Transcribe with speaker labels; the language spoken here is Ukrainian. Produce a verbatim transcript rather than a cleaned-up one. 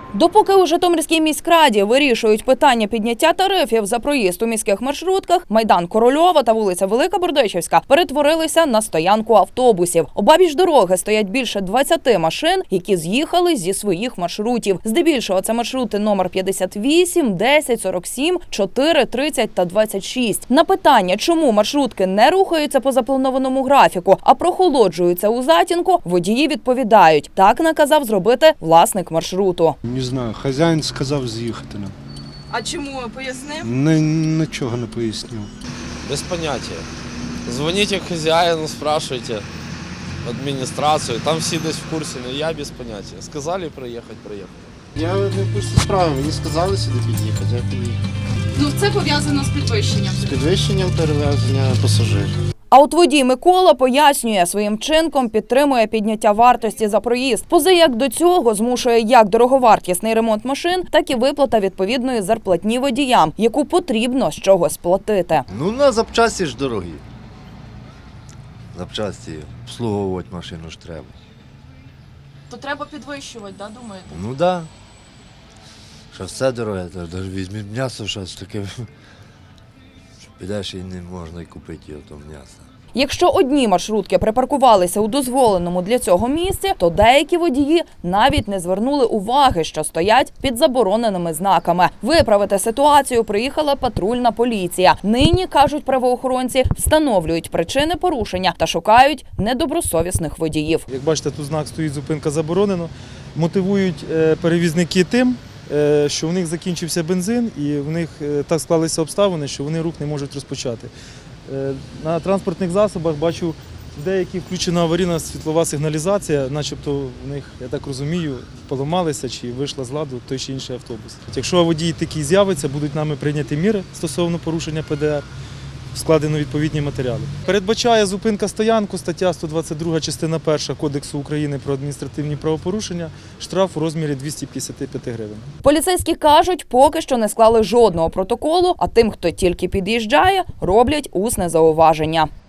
Speaker 1: Допоки у Житомирській міськраді вирішують питання підняття тарифів за проїзд у міських маршрутках, майдан Корольова та вулиця Велика Бердичівська перетворилися на стоянку автобусів. Обабіч дороги стоять більше двадцяти машин, які з'їхали зі своїх маршрутів. Здебільшого це маршрути номер п'ятдесят вісім, десять, сорок сім, чотири, тридцять та двадцять шість. На питання, чому маршрутки не рухаються по запланованому графіку, а прохолоджуються у затінку, водії відповідають, так наказав зробити власник маршруту.
Speaker 2: Не знаю, хазяїн сказав з'їхати нам.
Speaker 3: А чому, пояснив?
Speaker 2: Ні, нічого не пояснив.
Speaker 4: Без поняття. Дзвоніть хазяїну, спрашуйте адміністрацію, там всі десь в курсі, але я без поняття. Сказали приїхати, приїхали.
Speaker 5: Я не в курсі справи, мені сказали сюди під'їхати, я поїхав.
Speaker 3: Ну це пов'язано з підвищенням.
Speaker 5: З підвищенням перевезення пасажирів.
Speaker 1: А от водій Микола пояснює, своїм вчинком підтримує підняття вартості за проїзд. Поза як до цього змушує як дороговартісний ремонт машин, так і виплата відповідної зарплатні водіям, яку потрібно з чогось платити.
Speaker 6: Ну, на запчасті ж дорогі. Запчасті обслуговувати машину ж треба.
Speaker 3: То треба підвищувати, да, думаєте?
Speaker 6: Ну так. Да. Що все дороге, навіть візьміть м'ясо, щось таке. Підеш і не можна й купити його, то м'ясо.
Speaker 1: Якщо одні маршрутки припаркувалися у дозволеному для цього місці, то деякі водії навіть не звернули уваги, що стоять під забороненими знаками. Виправити ситуацію приїхала патрульна поліція. Нині, кажуть правоохоронці, встановлюють причини порушення та шукають недобросовісних водіїв.
Speaker 7: Як бачите, тут знак стоїть «Зупинка заборонено». Мотивують перевізники тим, що в них закінчився бензин і в них так склалися обставини, що вони рух не можуть розпочати. На транспортних засобах бачу, в деяких включена аварійна світлова сигналізація, начебто в них, я так розумію, поламалися чи вийшла з ладу той чи інший автобус. Якщо водій такий з'явиться, будуть нами прийняті міри стосовно порушення Пе Де Ер, складено відповідні матеріали. Передбачає зупинка стоянку, стаття сто двадцять друга, частина перша Кодексу України про адміністративні правопорушення, штраф у розмірі двісті п'ятдесят п'ять гривень.
Speaker 1: Поліцейські кажуть, поки що не склали жодного протоколу, а тим, хто тільки під'їжджає, роблять усне зауваження.